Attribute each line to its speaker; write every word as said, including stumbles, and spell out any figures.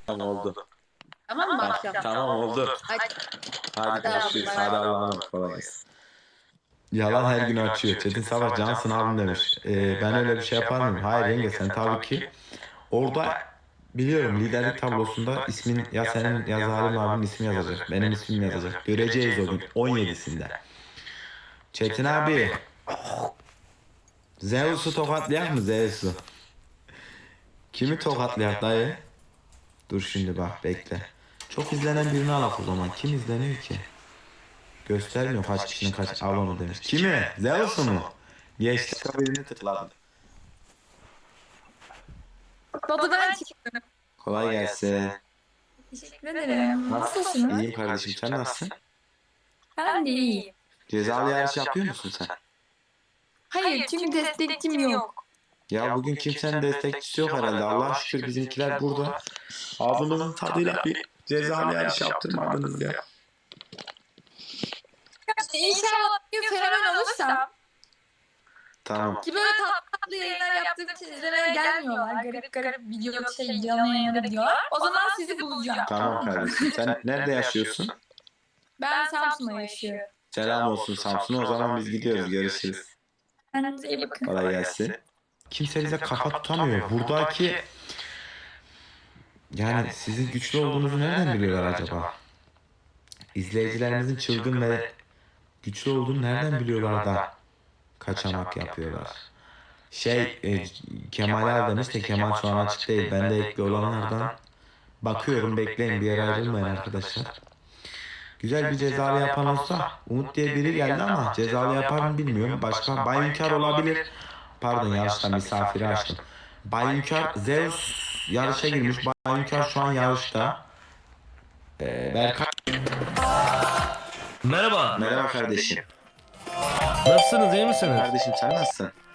Speaker 1: Tamam oldu.
Speaker 2: Tamam mı
Speaker 1: Tamam,
Speaker 2: akşam?
Speaker 1: tamam oldu.
Speaker 2: Hadi.
Speaker 1: Hadi görüşürüz.
Speaker 2: Tamam,
Speaker 1: Hadi
Speaker 2: bay bay.
Speaker 1: Allah'a emanet. Kolay gelsin.
Speaker 3: Yalan her gün açıyor. Çetin Savaş Cansın abim demiş. Ee, ben öyle bir şey yapar mıyım? Hayır yenge, sen tabii ki orada biliyorum liderlik tablosunda ismin ya senin ya Zalim abinin ismi yazacak. Benim ismim yazacak. Göreceğiz o gün on yedisinde. Çetin abi Zeus'u tokatlayak mı Zeus'u? Kimi tokatlayak dayı? Dur şimdi bak bekle. Çok izlenen birini alak o zaman. Kim izleniyor ki? Göstermiyor kaç kişinin kaç abone demiş. Kimi? Zeus'u mu? Geçti birini tıkladı.
Speaker 2: Baba ben çıktım.
Speaker 3: Kolay gelsin.
Speaker 2: Teşekkür ederim. Nasılsın?
Speaker 3: İyiyim kardeşim, sen nasılsın?
Speaker 2: Ben de iyiyim.
Speaker 3: Cezalı yarış yapıyor musun sen?
Speaker 2: Hayır çünkü destekçim yok.
Speaker 3: Ya bugün kimsenin destekçisi yok herhalde. Allah'a şükür bizimkiler burada. Ağzımızın tadıyla bir cezalı yarış yaptırmadınız ya.
Speaker 2: İnşallah bir gün fenomen olursam
Speaker 3: Tamam.
Speaker 2: ki böyle tatlı tatlı yayınlar yaptığım için izlemeye gelmiyorlar. Garip garip video şey canlı yayınları diyorlar. O zaman sizi bulacağım.
Speaker 3: Tamam kardeşim. Sen nerede yaşıyorsun?
Speaker 2: Ben Samsun'da yaşıyorum.
Speaker 3: Selam olsun Samsun'a. O zaman biz gidiyoruz. Görüşürüz.
Speaker 2: Kendinize iyi bakın.
Speaker 3: Kolay gelsin. Kimse bize kafa tutamıyor. Buradaki yani sizin güçlü olduğunuzu nereden biliyorlar acaba? İzleyicilerimizin çılgın ve güçlü olduğunu nereden biliyorlar da kaçamak yapıyorlar? Şey, e, Kemal abi demiş de Kemal şu an açık değil. Ben de ekli olanlardan bakıyorum, bekleyin, bir yere ayrılmayın arkadaşlar. Güzel bir cezalı yapan olsa, Umut diye biri geldi ama cezalı yapar mı bilmiyorum. Başka Bay Hünkar olabilir. Pardon, yarışta misafiri açtım. Bay Hünkar, Zeus yarışa girmiş. Bay Hünkar şu an yarışta. Ee, Berkay.
Speaker 4: Merhaba.
Speaker 3: Merhaba kardeşim.
Speaker 4: Nasılsınız, iyi misiniz?
Speaker 3: Kardeşim sen nasılsın?